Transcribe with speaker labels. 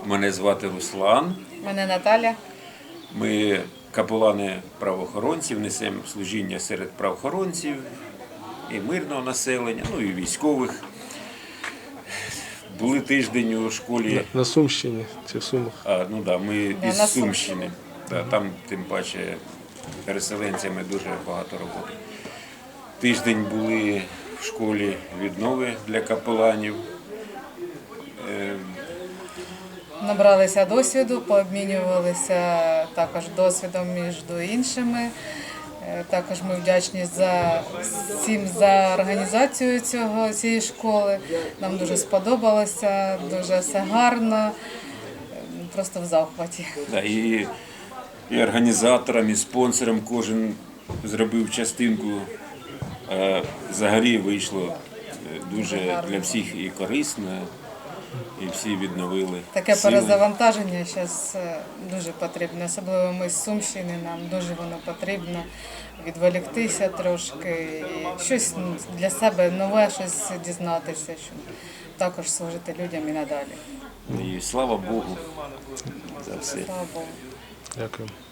Speaker 1: Мене звати Руслан.
Speaker 2: Мене Наталя.
Speaker 1: Ми капелани правоохоронців, несемо служіння серед правоохоронців і мирного населення, ну і військових. Були тиждень у школі.
Speaker 3: На Сумщині чи в Сумах?
Speaker 1: Ми
Speaker 2: Да,
Speaker 1: із
Speaker 2: на
Speaker 1: Сумщини. Да, там, тим паче, переселенцями дуже багато роботи. Тиждень були в школі віднови для капеланів.
Speaker 2: Набралися досвіду, пообмінювалися також досвідом між іншими. Також ми вдячні всім за організацію цієї школи. Нам дуже сподобалося, дуже все гарно, просто в захваті.
Speaker 1: Да, і організаторам, і спонсорам кожен зробив частинку. Взагалі вийшло дуже для всіх і корисно, і всі відновили
Speaker 2: Таке
Speaker 1: сили.
Speaker 2: перезавантаження зараз дуже потрібно, особливо ми з Сумщини, нам дуже воно потрібно відволіктися трошки, і щось для себе нове, щось дізнатися, щоб також служити людям і надалі.
Speaker 1: І слава Богу за все.
Speaker 2: Слава Богу.
Speaker 3: Дякую.